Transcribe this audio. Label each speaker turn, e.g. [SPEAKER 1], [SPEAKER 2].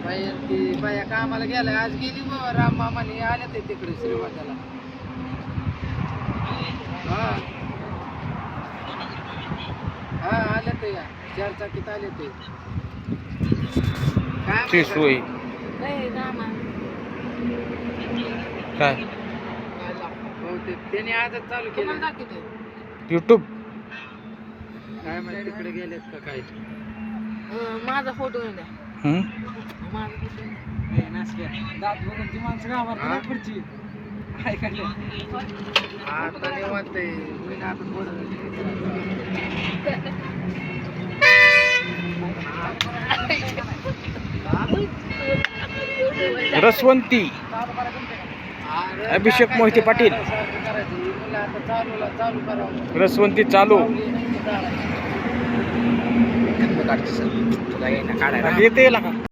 [SPEAKER 1] बाई ती बाया कामाला गेलाय आज गेली राम मामाने आल्या ते तिकडे श्रीगोंद्याला. हा हा आले ते या 4 चाकीत आले ते काय
[SPEAKER 2] ती सोय काय
[SPEAKER 1] बहुतेक त्याने आजच चालू केलं
[SPEAKER 2] यूट्यूब.
[SPEAKER 1] काय माहिती तिकडे गेलेत का काय.
[SPEAKER 3] माझा फोटो द्या. माझा फोटो दात बघून ती माणसं गावात पुढची ऐकायला
[SPEAKER 1] आता निवांत आहे. मी ना आता
[SPEAKER 2] रसवंती अभिषेक मोहिते पाटील.
[SPEAKER 1] चालू करावं
[SPEAKER 2] रसवंती चालू
[SPEAKER 1] काढते सर तुला येणं काढायला
[SPEAKER 2] येते का